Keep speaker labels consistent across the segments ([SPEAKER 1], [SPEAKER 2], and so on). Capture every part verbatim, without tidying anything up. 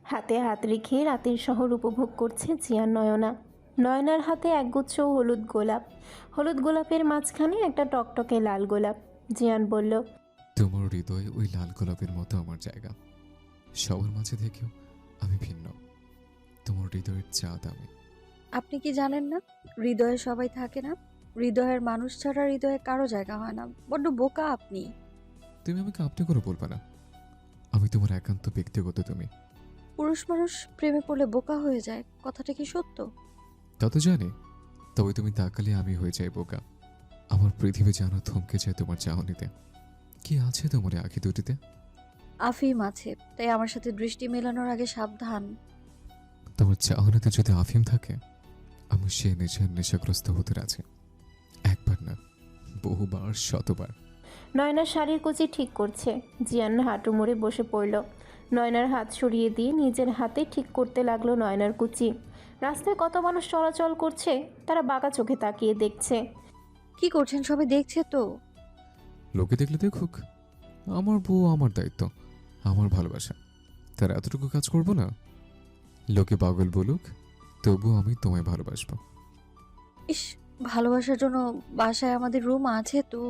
[SPEAKER 1] হাতে হাত রেখে রাতের শহর উপভোগ করছে জিয়ান নয়না। নয়নার হাতে একগুচ্ছ হলুদ গোলাপ, হলুদ গোলাপের মাঝখানে একটা টকটকে লাল গোলাপ। জিয়ান বলল,
[SPEAKER 2] তোমার হৃদয়ে ওই লাল গোলাপের মতো আমার জায়গা। সবার মাঝে থেকেও আমি ভিন্ন। তোমার হৃদয়ের চাঁদ আমি।
[SPEAKER 3] আপনি কি জানেন না হৃদয়ে সবাই থাকে না? হৃদয়ের মানুষ ছাড়া হৃদয়ে কারো জায়গা হয় না। বড্ড বোকা আপনি।
[SPEAKER 2] তুমি আমাকে আপনি করে বলবে না। আমি তোমার একান্ত ব্যক্তিগত তুমি।
[SPEAKER 3] পুরুষ মানুষ প্রেমে পড়লে বোকা হয়ে যায়, কথাটা কি সত্য?
[SPEAKER 2] তা তো জানি, তবে তুমি তাকালে আমি হয়ে যাই বোকা। আমার পৃথিবী যেন থমকে যায় তোমার চাহনিতে। কি আছে তোমার এই আঁখি দুটিতে?
[SPEAKER 3] আফিম আছে, তাই আমার সাথে দৃষ্টি মেলানোর আগে সাবধান।
[SPEAKER 2] তোমার চাহনিতে যদি আফিম থাকে, আমি সে নেশার নেশাগ্রস্ত হতে রাজি। একবার না, বহুবার, শতবার।
[SPEAKER 1] নয়নার শাড়ির কুচি ঠিক করছে। জিয়ান হাঁটু মুড়ে বসে পড়ল। নয়নার হাত সরিয়ে দিয়ে নিজের হাতে ঠিক করতে লাগলো নয়নার কুচি। রাস্তায় কত মানুষ চলাচল করছে, তারা বাঁকা চোখে তাকিয়ে দেখছে।
[SPEAKER 3] কি করছেন, সবাই দেখছে তো।
[SPEAKER 2] লোকে দেখলে দেখুক, আমার বউ আমার দায়িত্ব, আমার ভালোবাসা। তার এতটুকু কাজ করব না? লোকে পাগল বলুক, তবু আমি তোমায় ভালোবাসবো।
[SPEAKER 3] ইস, ভালোবাসার জন্য বাসায় আমাদের রুম আছে তো।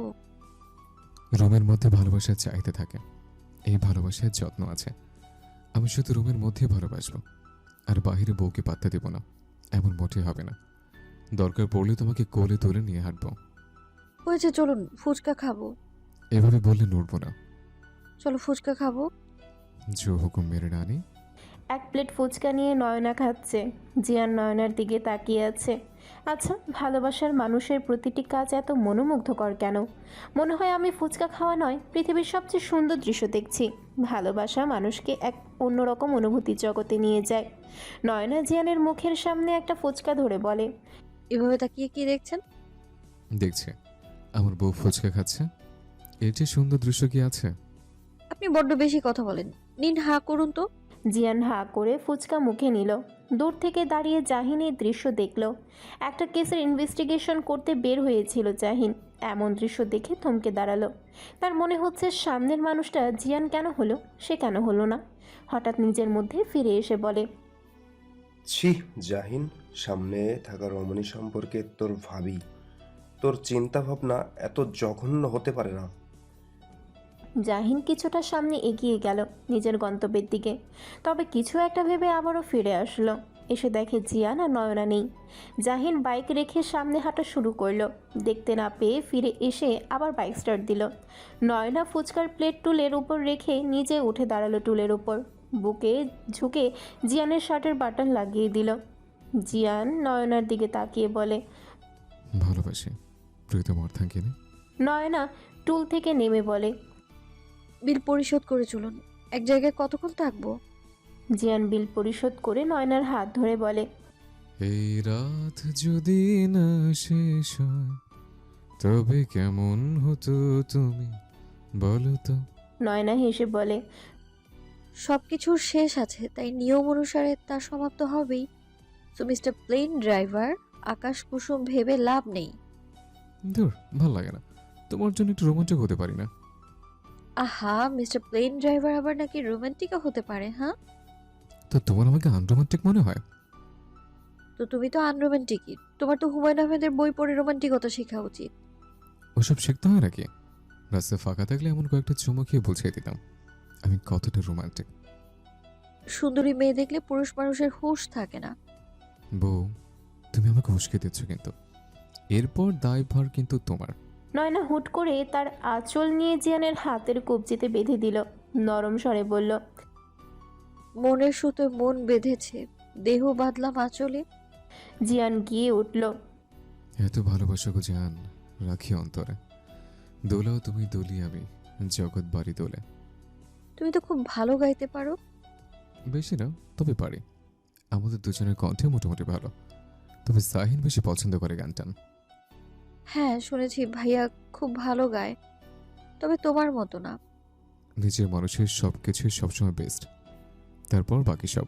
[SPEAKER 2] রুমের মধ্যে ভালোবাসার চাইতে থাকে, এই ভালোবাসার যত্ন আছে। আমি শুধু রুমের মধ্যে ভালোবাসবো, আর বাহিরে বউকে পাত্তা দেব না, এমন মোটেই হবে না। দরকার পড়লে তোমাকে কোলে তুলে নিয়ে হাঁটবো।
[SPEAKER 3] হয়েছে, চলুন ফুচকা খাবো।
[SPEAKER 2] এভাবে বললে নড়বো না।
[SPEAKER 3] চলো ফুচকা খাবো।
[SPEAKER 2] জো হুকুম মেরে রানী।
[SPEAKER 1] এক প্লেট ফুচকা নিয়ে নয়না খাচ্ছে। জিয়ান নয়নার দিকে তাকিয়ে আছে। আচ্ছা, ভালোবাসার মানুষের প্রতিটি কাজ এত মনোমুগ্ধকর কেন? মনে হয় আমি ফুচকা খাওয়া নয়, পৃথিবীর সবচেয়ে সুন্দর দৃশ্য দেখছি। ভালোবাসা মানুষকে এক অন্যরকম অনুভূতির জগতে নিয়ে যায়। নয়না জিয়ানের মুখের সামনে একটা ফুচকা ধরে বলে,
[SPEAKER 3] এভাবে তাকিয়ে কি দেখছেন?
[SPEAKER 2] দেখছে আমার বউ ফুচকা খাচ্ছে, এর যে সুন্দর দৃশ্য কি আছে?
[SPEAKER 3] আপনি বড্ড বেশি কথা বলেন। নিন, হা করুন তো।
[SPEAKER 1] জিয়ান হা করে ফুচকা মুখে নিল। দূর থেকে দাঁড়িয়ে জাহিন এই দৃশ্য দেখল। একটা কেসের ইনভেস্টিগেশন করতে বের হয়েছিল জাহিন। এমন দৃশ্য দেখে থমকে দাঁড়ালো। তার মনে হচ্ছে সামনের মানুষটা জিয়ান কেন হলো, সে কেন হলো না। হঠাৎ নিজের মধ্যে ফিরে এসে বলে,
[SPEAKER 4] ছি জাহিন, সামনে থাকা রমণী সম্পর্কে তোর ভাবি, তোর চিন্তা ভাবনা এত জঘন্য হতে পারে না।
[SPEAKER 1] জাহিন কিছুটা সামনে এগিয়ে গেল নিজের গন্তব্যের দিকে। তবে কিছু একটা ভেবে আবারও ফিরে আসলো। এসে দেখে জিয়ান আর নয়না নেই। জাহিন বাইক রেখে সামনে হাঁটা শুরু করলো। দেখতে না পেয়ে ফিরে এসে আবার বাইক স্টার্ট দিল। নয়না ফুচকার প্লেট টুলের উপর রেখে নিজে উঠে দাঁড়ালো টুলের উপর। বুকে ঝুঁকে জিয়ানের শার্টের বাটন লাগিয়ে দিল। জিয়ান নয়নার দিকে তাকিয়ে বলে,
[SPEAKER 2] ভালোবাসি প্রীতম অর্থাঙ্গিনী।
[SPEAKER 1] নয়না টুল থেকে নেমে বলে,
[SPEAKER 3] বিল পরিশোধ করে চলুন। এক জায়গায় কতক্ষণ থাকবো?
[SPEAKER 1] জিয়ান বিল পরিশোধ করে নয়নার হাত ধরে বলে,
[SPEAKER 2] এই রাত যদি না শেষ হয়, তবে কেমন হতো তুমি বলো তো?
[SPEAKER 1] নয়না হেসে বলে,
[SPEAKER 3] সব কিছুর শেষ আছে, তাই নিয়ম অনুসারে তা সমাপ্ত হবেই। সো মিস্টার প্লেন ড্রাইভার, আকাশ কুসুম ভেবে লাভ নেই।
[SPEAKER 2] ধুর, ভাল লাগে না। তোমার জন্য একটু রোমাঞ্চক হতে পারি না?
[SPEAKER 3] আহা, মিস্টার প্লেন ড্রাইভার আবার নাকি রোমান্টিকও হতে পারে, হ্যাঁ?
[SPEAKER 2] তো তোমার আমাকে আনরোমান্টিক মনে হয়?
[SPEAKER 3] তো তুমি তো আনরোমান্টিকই। তোমার তো হুমায়ুন আহমেদের বই পড়ে রোমান্টিকতা শেখা উচিত।
[SPEAKER 2] ওসব শিখতে হয় নাকি? রাস্তায় ফাঁকা থাকলে এমন কয়েকটা চুমো খেয়ে বুঝিয়ে দিতাম আমি কতটা রোমান্টিক।
[SPEAKER 3] সুন্দরী মেয়ে দেখলে পুরুষ মানুষের হুঁশ থাকে না।
[SPEAKER 2] বউ, তুমি আমাকে উস্কে দিচ্ছ, কিন্তু এরপর দায়ভার কিন্তু তোমার।
[SPEAKER 1] নয়না হুট করে তার আঁচল নিয়ে জিয়ানের হাতের কবজিতে বেঁধে দিল। নরম স্বরে বলল,
[SPEAKER 3] মনের সুতোয় মন বেঁধেছে, দেহ বাঁধলাম আঁচলে।
[SPEAKER 1] জিয়ান গিয়ে উঠল।
[SPEAKER 2] এত ভালোবাসা গো জান, রাখি অন্তরে। দোলাও তুমি, দোলি আমি, জগৎ বাড়ি দোলে।
[SPEAKER 3] তুমি তো খুব ভালো গাইতে পারো।
[SPEAKER 2] বেশি না, তবে পারি। আমাদের দুজনের কণ্ঠে মোটামুটি ভালো, তবে সাহিন বেশি পছন্দ করে গানটান।
[SPEAKER 3] হ্যাঁ, শুনেছি ভাইয়া খুব ভালো গায়, তবে তোমার মতো না।
[SPEAKER 2] নিজের মানুষের সব কিছুই সবসময় বেস্ট, তারপর বাকি সব।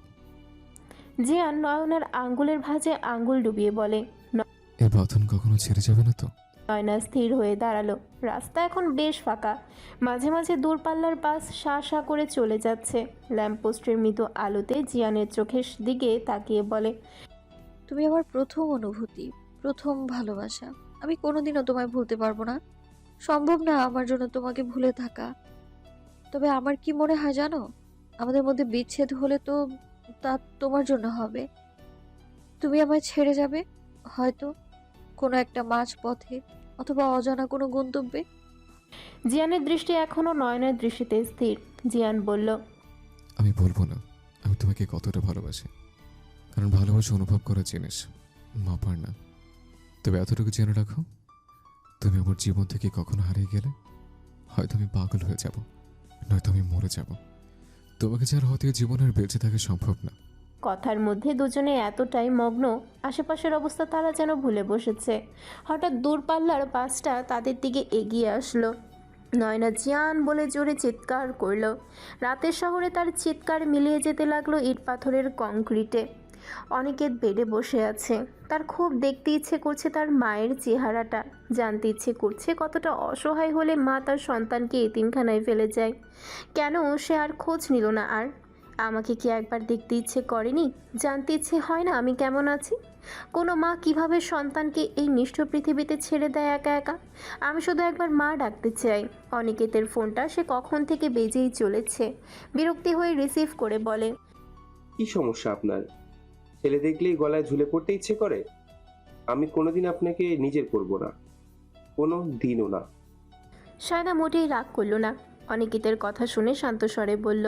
[SPEAKER 1] জিয়ান নয়নার আঙ্গুলের ভাঁজে আঙ্গুল ডুবিয়ে বলে,
[SPEAKER 2] এর বাঁধন কখনো ছেড়ে যাবে না তো?
[SPEAKER 1] নয়না স্থির হয়ে দাঁড়ালো। রাস্তা এখন বেশ ফাঁকা, মাঝে মাঝে দূরপাল্লার বাস শা শা করে চলে যাচ্ছে। ল্যাম্পপোস্টের মৃদু আলোতে জিয়ানের চোখের দিকে তাকিয়ে বলে,
[SPEAKER 3] তুমি আমার প্রথম অনুভূতি, প্রথম ভালোবাসা। আমি কোনোদিনও তোমায় ভুলতে পারবো না। সম্ভব না আমার জন্য তোমাকে ভুলে থাকা। তবে আমার কি মনে হয় জানো, আমাদের মধ্যে বিচ্ছেদ হলে তো তা তোমার জন্য হবে। তুমি আমায় ছেড়ে যাবে, হয়তো কোনো একটা মাঝ পথে, অথবা অজানা কোনো গন্তব্যে।
[SPEAKER 1] জিয়ানের দৃষ্টি এখনও নয়নার দৃষ্টিতে স্থির। জিয়ান বলল,
[SPEAKER 2] আমি বলবো না আমি তোমাকে কতটা ভালোবাসি, কারণ ভালোবাসা অনুভব করার জিনিস, মাপার না। তবে এতটুকু জেনে রাখো, তুমি আমার জীবন থেকে কখনো হারিয়ে গেলে হয়তো আমি পাগল হয়ে যাব, নয়তো আমি মরে যাব। তোমাকে ছাড়া হয়তো এই জীবন আর বেঁচে থাকা সম্ভব না।
[SPEAKER 1] কথার মধ্যে দুজনে এতটাই মগ্ন, আশেপাশের অবস্থা তারা যেন ভুলে বসেছে। হঠাৎ দূরপাল্লার বাসটা তাদের দিকে এগিয়ে আসলো। নয়না জিয়ান বলে জোরে চিৎকার করলো। রাতের শহরে তার চিৎকার মিলিয়ে যেতে লাগলো ইট পাথরের কংক্রিটে। অনিকেত বেডে বসে আছে। তার খুব দেখতে ইচ্ছে করছে তার মায়ের চেহারাটা, জানতে ইচ্ছে করছে কতটা অসহায় হলে মা তার সন্তানকে এতিমখানায় ফেলে যায়। কেন সে আর খোঁজ নিল না? আর আমাকে কি একবার দেখতে ইচ্ছে করেনি? জানতে ইচ্ছে হয় না আমি কেমন আছি? কোনো মা কিভাবে সন্তানকে এই নিষ্ঠুর পৃথিবীতে ছেড়ে দেয় একা একা? আমি শুধু একবার মা ডাকতে চাই। অনিকেতের ফোনটা সে কখন থেকে বেজেই চলেছে। বিরক্তি হয়ে রিসিভ করে বলে,
[SPEAKER 5] কি সমস্যা আপনার? ছেলে দেখলেই গলায় ঝুলে পড়তে ইচ্ছে করে? আমি কোনোদিন আপনাকে নিজের করব না, কোনো দিনও না।
[SPEAKER 1] সায়না মোটেই রাগ করল না। অনিকেতের কথা শুনে শান্ত স্বরে বলল,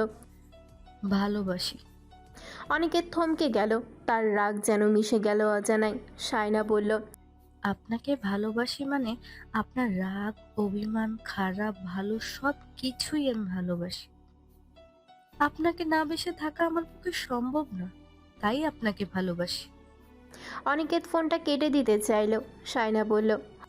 [SPEAKER 3] ভালোবাসি।
[SPEAKER 1] অনিকেত থমকে গেল। তার রাগ যেন মিশে গেল অজানায়। সায়না বলল,
[SPEAKER 6] আপনাকে ভালোবাসি মানে আপনার রাগ, অভিমান, খারাপ, ভালো সব কিছুই আমি ভালোবাসি। আপনাকে না বেসে থাকা আমার পক্ষে সম্ভব না, তাই আপনাকে ভালোবাসি।
[SPEAKER 1] অনিকেত ফোনটা কেটে দিতে চাইল। সায়না বলল,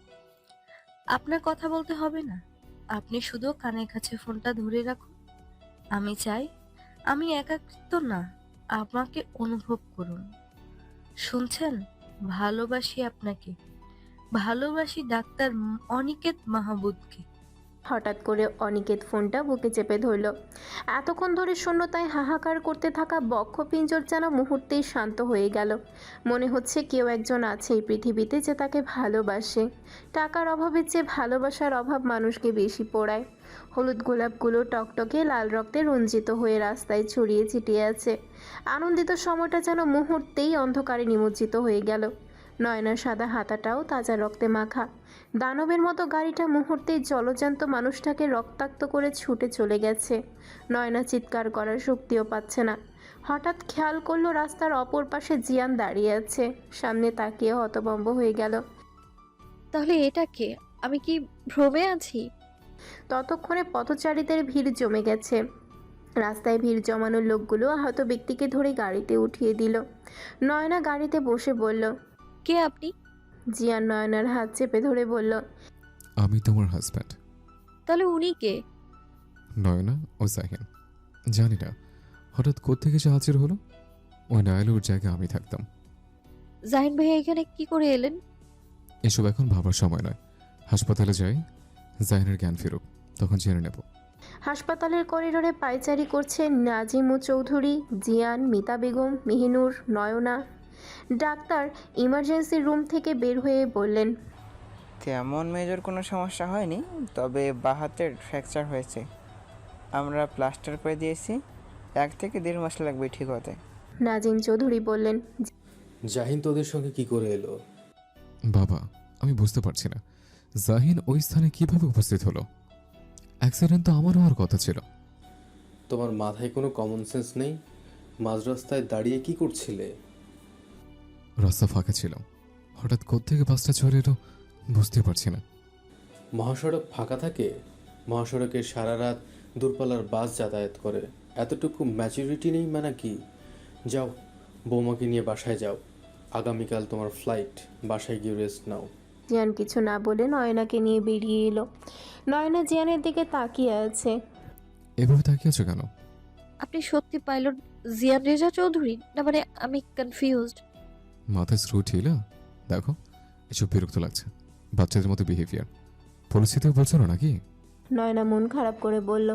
[SPEAKER 6] আপনার কথা বলতে হবে না, আপনি শুধু কানের কাছে ফোনটা ধরে রাখুন। আমি চাই আমি একাকিত্ব না, আমাকে অনুভব করুন। শুনছেন? ভালোবাসি আপনাকে, ভালোবাসি ডাক্তার অনিকেত মাহবুবকে।
[SPEAKER 1] হঠাৎ করে অনিকেত ফোনটা বুকে চেপে ধরল। এতক্ষণ ধরে শূন্যতায় হাহাকার করতে থাকা বক্ষপিঞ্জর যেন মুহূর্তেই শান্ত হয়ে গেল। মনে হচ্ছে কেউ একজন আছে এই পৃথিবীতে যে তাকে ভালোবাসে। টাকার অভাবের চেয়ে ভালোবাসার অভাব মানুষকে বেশি পোড়ায়। হলুদ গোলাপগুলো টকটকে লাল রক্তে রঞ্জিত হয়ে রাস্তায় ছড়িয়ে ছিটিয়ে আছে। আনন্দিত সময়টা যেন মুহূর্তেই অন্ধকারে নিমজ্জিত হয়ে গেল। নয়নার সাদা হাতাটাও তাজা রক্তে মাখা। দানবের মতো গাড়িটা মুহূর্তেই জলজ্যান্ত মানুষটাকে রক্তাক্ত করে ছুটে চলে গেছে। নয়না চিৎকার করার শক্তিও পাচ্ছে না। হঠাৎ খেয়াল করলো রাস্তার অপর পাশে জিয়ান দাঁড়িয়ে আছে। সামনে তাকিয়ে হতভম্ব হয়ে গেল।
[SPEAKER 3] তাহলে এটা কে? আমি কি ভ্রমে আছি?
[SPEAKER 1] ততক্ষণে পথচারীদের ভিড় জমে গেছে। রাস্তায় ভিড় জমানো লোকগুলো আহত ব্যক্তিকে ধরে গাড়িতে উঠিয়ে দিল। নয়না গাড়িতে বসে বলল,
[SPEAKER 3] কে আপনি?
[SPEAKER 1] জিয়ান নয়নার হাত চেপে ধরে বলল,
[SPEAKER 2] আমি তোমার হাজব্যান্ড।
[SPEAKER 3] তাহলে উনি কে?
[SPEAKER 2] নয়না ও জাহিন। জানি না হঠাৎ কোত্থেকে সে হাজির হলো। ওই না এলে ওর জায়গায় আমি থাকতাম।
[SPEAKER 3] জাহিন ভাইয়া এখানে কি করে এলেন?
[SPEAKER 2] এসব এখন ভাবার সময় নয়। হাসপাতালে যাই, জাহিনের জ্ঞান ফেরুক, তখন জেনে নেব।
[SPEAKER 1] হাসপাতালের করিডোরে পায়চারি করছে Nazimu Chowdhury, Jian, Mita Begum, Mehinur, Nayna. Doctor emergency room থেকে বের হয়ে বললেন,
[SPEAKER 7] তেমন মেজর কোনো সমস্যা হয়নি, তবে বাঁ হাতের ফ্র্যাকচার হয়েছে। আমরা প্লাস্টার করে দিয়েছি, এক থেকে দেড় মাস লাগবে ঠিক হতে।
[SPEAKER 1] নাজিম চৌধুরী বললেন,
[SPEAKER 8] জাহিন তোদের সঙ্গে কি করে এলো?
[SPEAKER 2] বাবা, আমি বুঝতে পারছি না জাহিন ওই স্থানে কিভাবে উপস্থিত হলো। অ্যাক্সিডেন্ট তো আমার হওয়ার কথা ছিল।
[SPEAKER 8] তোমার মাথায় কোনো কমন সেন্স নেই? মাঝ রাস্তায় দাঁড়িয়ে কি করছিলে?
[SPEAKER 2] রাস্তা ফাঁকা ছিল, হঠাৎ কোত্থেকে বাসটা চলে এলো বুঝতে পারছি না।
[SPEAKER 8] মহাসড়ক ফাঁকা থাকে? মহাসড়কে সারা রাত দূরপাল্লার বাস যাতায়াত করে, এতটুকু ম্যাচুরিটি নেই মানে কি? যাও, বৌমাকে নিয়ে বাসায় যাও। আগামীকাল তোমার ফ্লাইট, বাসায় গিয়ে রেস্ট নাও।
[SPEAKER 1] জিয়ান কিছু না বলে নয়নাকে নিয়ে বেরিয়ে এলো। নয়না জিয়ানের দিকে তাকিয়ে আছে।
[SPEAKER 2] এভাবে তাকিয়ে আছো কেন?
[SPEAKER 3] আপনি সত্যি পাইলট জিয়ান রেজা চৌধুরী? না মানে আমি কনফিউজড।
[SPEAKER 2] মাথায় স্ক্রু ঢিলা? দেখো, এসব বিরক্ত লাগছে। বাচ্চাদের মতো বিহেভিয়ার। পরিস্থিতিও বলছো না নাকি?
[SPEAKER 1] নয়না মন খারাপ করে বলল।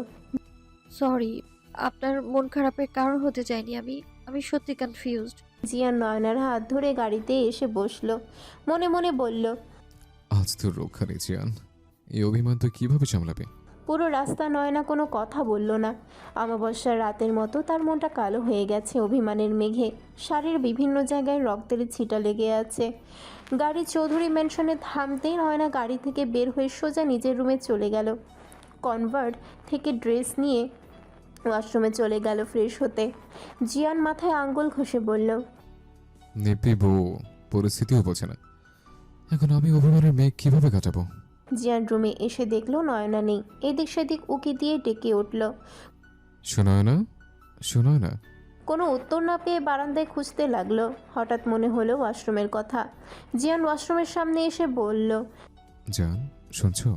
[SPEAKER 3] সরি, আপনার মন খারাপের কারণ হতে চাইনি আমি। আমি সত্যি কনফিউজড।
[SPEAKER 1] জিয়ান নয়নার হাত ধরে গাড়িতে এসে বসলো, মনে মনে বলল,
[SPEAKER 2] আজ তোর রক্ষা নেই জিয়ান। এই অভিমান তো কিভাবে সামলাবে?
[SPEAKER 1] পুরো রাস্তা নয়না কোনো কথা বলল না। অমাবস্যার রাতের মতো তার মনটা কালো হয়ে গেছে অভিমানের মেঘে। শাড়ির বিভিন্ন জায়গায় রক্তের ছিটা লেগে আছে। গাড়ি চৌধুরী ম্যানশনে থামতেই নয়না গাড়ি থেকে বের হয়ে সোজা নিজের রুমে চলে গেল। কনভার্ট থেকে ড্রেস নিয়ে ওয়াশরুমে চলে গেল ফ্রেশ হতে। জিয়ান মাথায় আঙ্গুল ঘষে বলল,
[SPEAKER 2] নেপি বউ পরিস্থিতিও বোঝে না। এখন আমি অভিমানের মেঘ কিভাবে কাটাবো?
[SPEAKER 1] জিয়ান রুমে এসে দেখলো নয়না নেই। এদিক সেদিক উকি দিয়ে ডেকে উঠল।
[SPEAKER 2] শোনায় না, শোনায় না।
[SPEAKER 1] কোনো উত্তর না পেয়ে বারান্দায় খুঁজতে লাগলো। হঠাৎ মনে হলো ওয়াশরুমের কথা। জিয়ান ওয়াশরুমের সামনে এসে বলল,
[SPEAKER 2] জান শুনছো?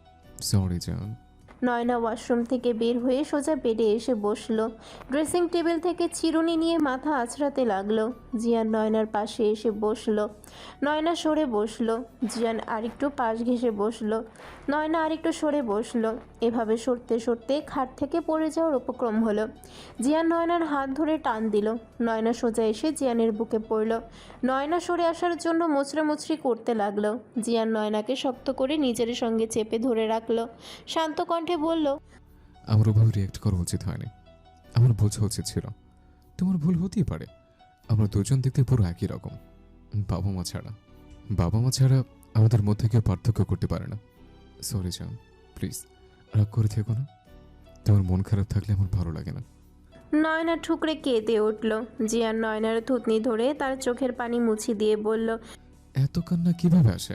[SPEAKER 2] সরি জান।
[SPEAKER 1] নয়না ওয়াশরুম থেকে বের হয়ে সোজা বেডে এসে বসলো। ড্রেসিং টেবিল থেকে চিরুনি নিয়ে মাথা আঁচড়াতে লাগলো। জিয়ান নয়নার পাশে এসে বসলো। নয়না সরে বসলো। জিয়ান আরেকটু পাশ ঘেঁষে বসলো। নয়না আরেকটু সরে বসলো। এভাবে সরতে সরতে খাট থেকে পড়ে যাওয়ার উপক্রম হলো। জিয়ান নয়নার হাত ধরে টান দিল। নয়না সোজা এসে জিয়ানের বুকে পড়ল। নয়না সরে আসার জন্য মোচড়ামুচড়ি করতে লাগলো। জিয়ান নয়নাকে শক্ত করে নিজের সঙ্গে চেপে ধরে রাখলো। শান্ত কণ্ঠে বলল,
[SPEAKER 2] আমার ওভাবে রিয়েক্ট করা উচিত হয়নি। আমার বোঝা উচিত ছিল। তোমার ভুল হতেই পারে। আমরা দুজন দেখতে পুরো একই রকম। বাবা মা ছাড়া বাবা মা ছাড়া আমাদের মধ্যে কেউ পার্থক্য করতে পারে না। সরি জান, প্লিজ রাগ করে থেকো না। তোমার মন খারাপ থাকলে আমার ভালো লাগে না।
[SPEAKER 1] নয়না ঠুকরে কেঁদে উঠল। জিয়ান নয়নার থুতনি ধরে তার চোখের পানি মুছি দিয়ে বলল,
[SPEAKER 2] এত কান্না কিভাবে আসে?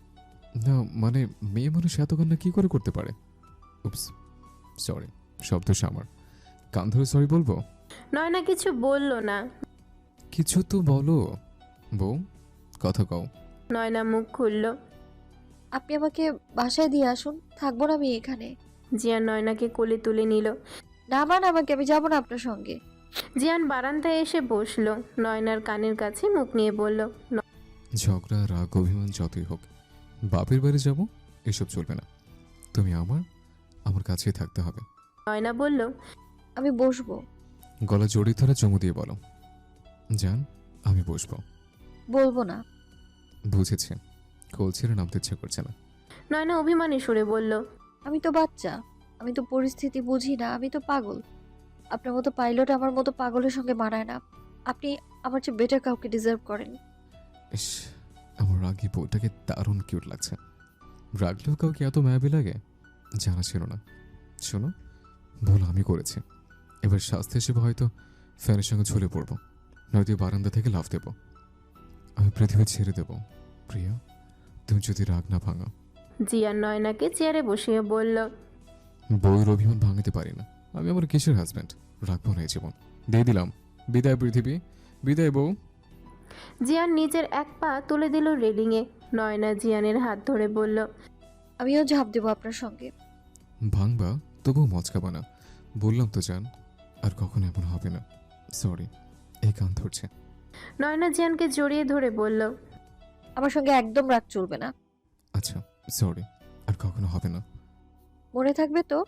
[SPEAKER 2] না মানে মেয়ে মানুষ এত কান্না কি করে করতে পারে? উপস, সরি, শব্দ আমার। কান ধরে সরি বলবো?
[SPEAKER 1] নয়না কিছু বলল না।
[SPEAKER 2] কিছু তো বলো বউ, কথা কও।
[SPEAKER 1] নয়না মুখ খুলল।
[SPEAKER 3] আপনি আমাকে বাসায় দিয়ে আসুন, থাকবো না আমি এখানে।
[SPEAKER 1] জিয়ান নয়নাকে কোলে তুলে নিল।
[SPEAKER 3] নামান আমাকে, আমি যাবো না আপনার সঙ্গে।
[SPEAKER 1] জিয়ান বারান্দায় এসে বসলো। নয়নার কানের কাছে মুখ নিয়ে বলল,
[SPEAKER 2] ঝগড়া রাগ অভিমান যতই হোক, বাপের বাড়ি যাব এসব চলবে না। তুমি আমার আমার কাছেই থাকতে হবে।
[SPEAKER 1] নয়না বলল,
[SPEAKER 3] আমি বসবো।
[SPEAKER 2] গলা জড়িয়ে ধরে চুমু দিয়ে বলো, জান আমি বসবো।
[SPEAKER 3] বলবো না।
[SPEAKER 2] বুঝেছি, কোল ছেড়ে নামতে ইচ্ছে করছে না।
[SPEAKER 1] নয়না অভিমানী সুরে বলল,
[SPEAKER 3] আমি তো বাচ্চা, আমি তো পরিস্থিতি বুঝি না, আমি তো পাগল। আপনার মতো পাইলট আমার মতো পাগলের সঙ্গে মানায় না। আপনি আমার চেয়ে বেটার কাউকে ডিজার্ভ করেন।
[SPEAKER 2] ইস, আমার রাগি বউটাকে দারুণ কিউট লাগছে। রাগলেও কাউকে এত মায়াবী লাগে জানা ছিল না। শোনো, ভুল আমি করেছি। এবার শাস্তি হিসেবে হয়তো ফ্যানের সঙ্গে ঝুলে পড়বো, নয়তো বারান্দা থেকে লাফ দেবো। আমি পৃথিবী ছেড়ে দেবো প্রিয়া, তুমি যদি রাগ না ভাঙো।
[SPEAKER 1] জিয়ান নয়নাকে চেয়ারে বসিয়ে বলল,
[SPEAKER 2] বউয়ের অভিমান ভাঙাতে পারি না। আমি আমার কিসের হাজব্যান্ড, রাখবো না এই জীবন। দিয়ে দিলাম, বিদায় পৃথিবী, বিদায় বউ।
[SPEAKER 1] জিয়ান নিজের এক পা তুলে দিল রেলিংয়ে। নয়না জিয়ানের হাত ধরে বলল,
[SPEAKER 3] আমিও ঝাঁপ দেবো আপনার সঙ্গে।
[SPEAKER 2] ভাঙবা তবুও মচকাবা না, বললাম তো জান। আর কখনো এমন হবে না। সরি, এই কান ধরছে।
[SPEAKER 1] নয়না জিয়ানকে জড়িয়ে ধরে বলল,
[SPEAKER 3] আমার সঙ্গে একদম রাগ চলবে না।
[SPEAKER 2] আচ্ছা সরি, আর কখনো হবে না।
[SPEAKER 3] মনে থাকবে তো?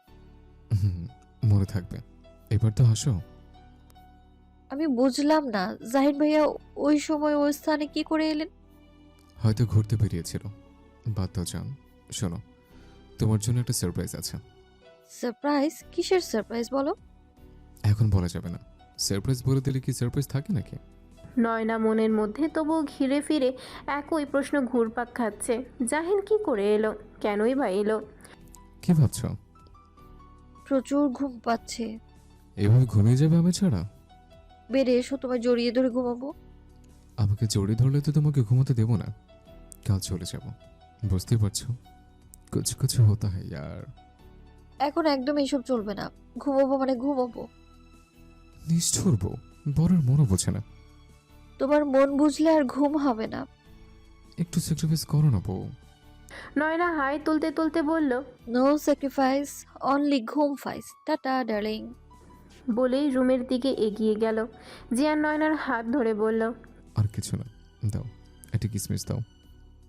[SPEAKER 2] হুম, মনে থাকবে। এবার তো হাসো।
[SPEAKER 3] আমি বুঝলাম না, জাহিদ ভাইয়া ওই সময় ওই স্থানে কি করে এলেন?
[SPEAKER 2] হয়তো ঘুরতে বেরিয়েছিল। বাদ দাও জান। শোনো, তোমার জন্য একটা সারপ্রাইজ আছে।
[SPEAKER 3] সারপ্রাইজ? কিসের সারপ্রাইজ বলো?
[SPEAKER 2] এখন বলা যাবে না। সারপ্রাইজ বলে দিলে কি সারপ্রাইজ থাকে নাকি?
[SPEAKER 1] নয়না মনের মধ্যে তবুও ঘিরে ফিরে একই প্রশ্ন ঘুরপাক খাচ্ছে। জাহিন কি করে এলো? কেনই বা এলো?
[SPEAKER 2] কি ভাবছো?
[SPEAKER 3] প্রচুর ঘুম পাচ্ছে।
[SPEAKER 2] এভাবে ঘুমিয়ে যাবে আমি ছাড়া?
[SPEAKER 3] বেড়ে এসো, তোমায় জড়িয়ে ধরে ঘুমাবো।
[SPEAKER 2] আমাকে জড়িয়ে ধরলে তো তোমাকে ঘুমাতে দেবো না। কাল চলে যাব, বুঝতেই পারছো। কুছ কুছ হতা হ্যায় ইয়ার।
[SPEAKER 3] এখন একদম এইসব চলবে না। ঘুমাবো মানে ঘুমাবো।
[SPEAKER 2] নিষ্ঠুর বউ, বরের মনও বোঝে না।
[SPEAKER 3] তোমার মন বুঝলে আর ঘুম হবে না।
[SPEAKER 2] একটু স্যাক্রিফাইস করো না বউ।
[SPEAKER 1] নয়না হাই তুলতে তুলতে বলল,
[SPEAKER 3] নো স্যাক্রিফাইস, অনলি ঘুম ফাইস। Tata darling.
[SPEAKER 1] বলেই রুমের দিকে এগিয়ে গেল। জিয়ান নয়নার হাত ধরে বলল,
[SPEAKER 2] আর কিছু না, দাও একটা কিসমিস দাও।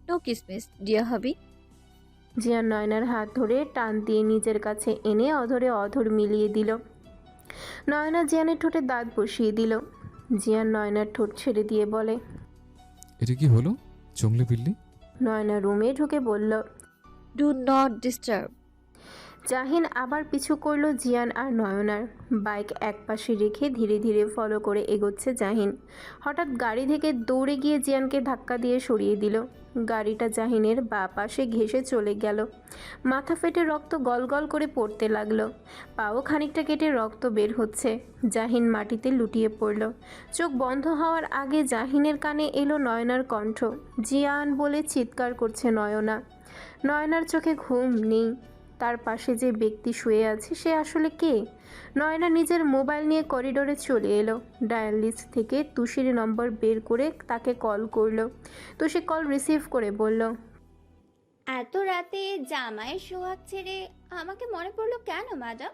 [SPEAKER 3] নো কিসমিস ডিয়া হাবি।
[SPEAKER 1] জিয়ান নয়নার হাত ধরে টান দিয়ে নিজের কাছে এনে অধরে অধর মিলিয়ে দিল। নয়না জিয়ানের ঠোঁটে দাঁত বসিয়ে দিল। জিয়ান নয়নার ঠোঁট ছেড়ে দিয়ে বলে,
[SPEAKER 2] এটা কি হলো? চংলে বিল্লি?
[SPEAKER 1] নয়না রুমে ঢুকে বলল।
[SPEAKER 3] Do not disturb.
[SPEAKER 1] জাহিন আবার পিছু করল জিয়ান আর নয়নার। বাইক একপাশে রেখে ধীরে ধীরে ফলো করে এগোচ্ছে জাহিন। হঠাৎ গাড়ি থেকে দৌড়ে গিয়ে জিয়ানকে ধাক্কা দিয়ে সরিয়ে দিল। গাড়িটা জাহিনের বাঁ পাশে ঘেঁষে চলে গেল। মাথা ফেটে রক্ত গলগল করে পড়তে লাগলো। পাও খানিকটা কেটে রক্ত বের হচ্ছে। জাহিন মাটিতে লুটিয়ে পড়ল। চোখ বন্ধ হওয়ার আগে জাহিনের কানে এলো নয়নার কণ্ঠ। জিয়ান বলে চিৎকার করছে নয়না। নয়নার চোখে ঘুম নেই। তার পাশে যে ব্যক্তি শুয়ে আছে সে আসলে কে? নয়না নিজের মোবাইল নিয়ে করিডোরে চলে এলো। ডায়াল লিস্ট থেকে তুষির নম্বর বের করে তাকে কল করলো। তুষি কল রিসিভ করে বলল,
[SPEAKER 9] এত রাতে জামাইয়ের সোহাগ ছেড়ে আমাকে মনে পড়লো কেন ম্যাডাম?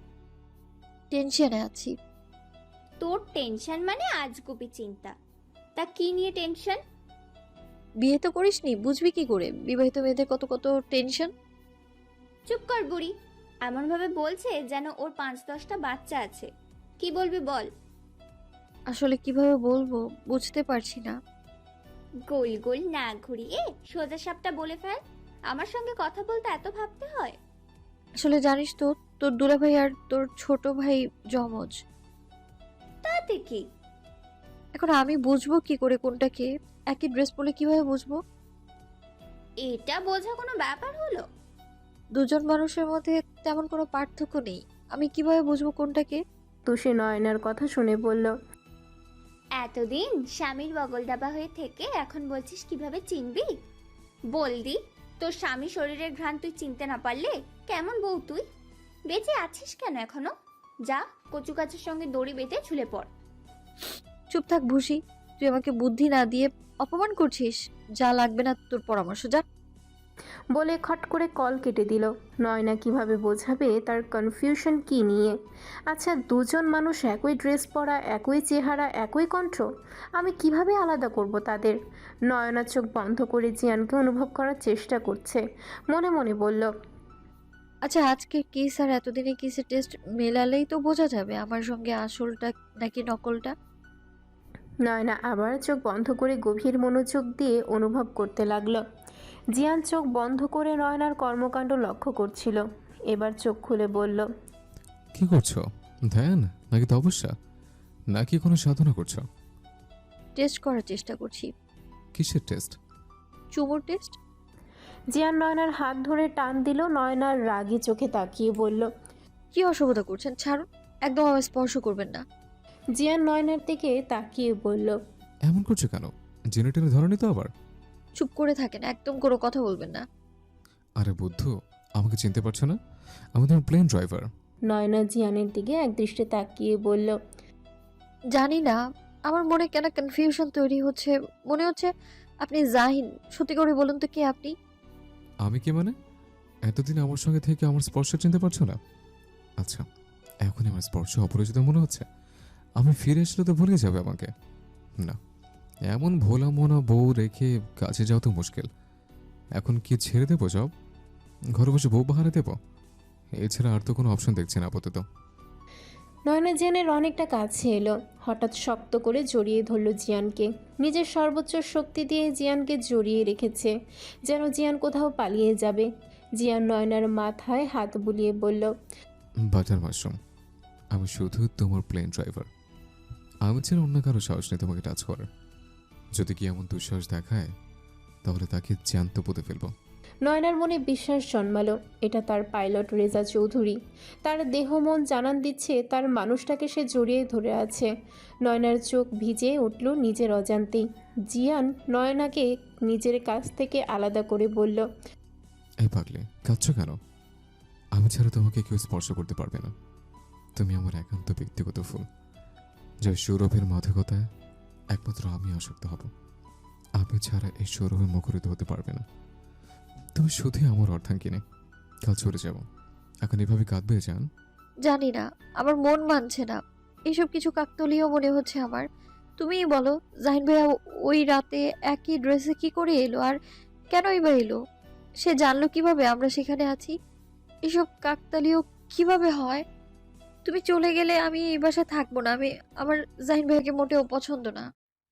[SPEAKER 3] টেনশনে আছি।
[SPEAKER 9] তোর টেনশন মানে আজগুবি চিন্তা। তা কি নিয়ে টেনশন?
[SPEAKER 3] বিয়ে তো করিসনি, বুঝবি কি করে বিবাহিত মেয়েদের কত কত টেনশন।
[SPEAKER 9] চুপ কর বুড়ি। এমন ভাবে বলছে যেন ওর পাঁচ দশটা বাচ্চা আছে। কি বলবি বল।
[SPEAKER 3] আসলে কিভাবে বলবো বুঝতে পারছি না।
[SPEAKER 9] গোল গোল না ঘুরিয়ে সোজা সাপটা বলে ফেল। আমার সঙ্গে কথা বলতে এত ভাবতে হয়?
[SPEAKER 3] আসলে জানিস তো, তোর দুলাভাই আর তোর ছোট ভাই জমজ।
[SPEAKER 9] তাতে কি?
[SPEAKER 3] এখন আমি বুঝবো কি করে কোনটা কে? একই ড্রেস পরলে কিভাবে বুঝবো?
[SPEAKER 9] এটা বোঝা কোনো ব্যাপার হলো?
[SPEAKER 3] দুজন মানুষের মধ্যে তেমন কোনো পার্থক্য নেই, আমি কিভাবে বুঝবো কোনটা কে?
[SPEAKER 1] তুষি নয়নার কথা শুনে বলল,
[SPEAKER 9] এতদিন স্বামীর বগল ডাবা হয়ে থেকে এখন বলছিস কিভাবে চিনবি? বলদি, তোর স্বামী শরীরের ঘ্রাণ তুই চিনতে না পারলে কেমন বউ তুই? বেঁচে আছিস কেন এখনো? যা কচু গাছের সঙ্গে দড়ি বেঁধে ঝুলে পড়।
[SPEAKER 3] চুপ থাক ভুসি, তুই আমাকে বুদ্ধি না দিয়ে অপমান করছিস। যা লাগবে না তোর পরামর্শ, যা।
[SPEAKER 1] বলে খট করে কল কেটে দিল। নয়না কিভাবে বোঝাবে তার কনফিউশন কি নিয়ে? আচ্ছা, দুজন মানুষ একই ড্রেস পরা, একই চেহারা, একই কণ্ঠ, আমি কিভাবে আলাদা করব তাদের? নয়না চোখ বন্ধ করে জিয়ানকে অনুভব করার চেষ্টা করছে। মনে মনে বলল,
[SPEAKER 3] আচ্ছা, আজকে কেস আর এতদিনে কেসের টেস্ট মেলালেই তো বোঝা যাবে আমার সঙ্গে আসলটা নাকি নকলটা।
[SPEAKER 1] নয়না আবার চোখ বন্ধ করে গভীর মনোযোগ দিয়ে অনুভব করতে লাগলো। জিয়ান চোখ বন্ধ করে নয়নার কর্মকাণ্ড লক্ষ্য করছিল। এবার চোখ খুলে বলল,
[SPEAKER 2] কি করছো? ধ্যান নাকি তপস্যা নাকি কোনো সাধনা করছো?
[SPEAKER 3] টেস্ট করার চেষ্টা করছি।
[SPEAKER 2] কিসের টেস্ট?
[SPEAKER 3] চুমুর টেস্ট।
[SPEAKER 1] জিয়ান নয়নার হাত ধরে টান দিল। নয়নার রাগী চোখে তাকিয়ে বলল,
[SPEAKER 3] কি অসভ্যতা করছেন, ছাড়ুন, একদম আমার স্পর্শ করবেন না।
[SPEAKER 1] জিয়ান নয়নার দিকে তাকিয়ে বলল,
[SPEAKER 2] এমন করছো কেন? জেনে টেনে ধরনি তো আবার?
[SPEAKER 3] চুপ করে থাকেন, একদম কোনো কথা বলবেন না।
[SPEAKER 2] আরে বুদ্ধু, আমাকে চিনতে পারছো না? আমি তোমার প্লেন ড্রাইভার।
[SPEAKER 1] নয়না জিয়ানের দিকে একদৃষ্টে তাকিয়ে বলল,
[SPEAKER 3] জানি না, আমার মনে কেন কনফিউশন তৈরি হচ্ছে। মনে হচ্ছে আপনি জাহিন। সত্যি করে বলুন তো, কে আপনি?
[SPEAKER 2] আমি কি মানে? এতদিন আমার সঙ্গে থেকে আমার স্পর্শ চিনতে পারছো না? আচ্ছা, এখন আমার স্পর্শ অপরিচিত মনে হচ্ছে। আমি ফিরে আসলে তো ভুলে যাবে আমাকে। না, এমন ভোলা মোনা বউ রেখে কাছে যাও তো মুশকিল। এখন কি ছেড়ে দেবো জব? ঘরে বসে বউ বাহারে দেবো? এছাড়া আর তো কোনো অপশন দেখছি না আপাতত।
[SPEAKER 1] নয়না জিয়ানের অনেকটা কাছে এলো। হঠাৎ শক্ত করে জড়িয়ে ধরল জিয়ানকে। নিজের সর্বোচ্চ শক্তি দিয়ে জিয়ানকে জড়িয়ে রেখেছে, যেন জিয়ান কোথাও পালিয়ে যাবে। জিয়ান নয়নার মাথায় হাত বুলিয়ে বলল,
[SPEAKER 2] বাটার মাশরুম, আমি শুধু তোমার প্লেন ড্রাইভার। আমি ছাড়া অন্য কারো সাহস নেই তোমাকে টাচ করার। যদি কি এমন দুঃসাহস দেখায় তাহলে তাকে জ্যান্ত পুঁতে ফেলবো।
[SPEAKER 1] নয়নার মনে বিশ্বাস জন্মালো, এটা তার পাইলট রেজা চৌধুরী। তার দেহ মন জানান দিচ্ছে তার মানুষটাকে সে জড়িয়ে ধরে আছে। নয়নার চোখ ভিজে উঠল নিজের অজান্তেই। জিয়ান নয়নাকে নিজের কাছ থেকে আলাদা করে বলল,
[SPEAKER 2] এই পাগলে, কাঁদছো কেন? আমি ছাড়া তোমাকে কেউ স্পর্শ করতে পারবে না। তুমি আমার একান্ত ব্যক্তিগত ফুল, যে সৌরভের মাদকতায় একমাত্র আমি আসক্ত হব। আমি ছাড়া এই সৌরভে মুখরিত হতে পারবে না। তুমি শুধুই আমার অর্ধাঙ্গিনী। কাল চলে যাব। এখন এভাবে কাঁদবে জান?
[SPEAKER 3] জানি না, আমার মন মানছে না। এসব কিছু কাকতলীয় মনে হচ্ছে আমার। তুমিই বলো, জাহিন ভাইয়া ওই রাতে একই ড্রেসে কি করে এলো? আর কেনই বা এলো? সে জানলো কিভাবে আমরা সেখানে আছি? এসব কাকতালীয় কিভাবে হয়? তুমি চলে গেলে আমি এই বাসায় থাকবো না। আমি আমার জাহিন ভাইকে মোটেও পছন্দ না।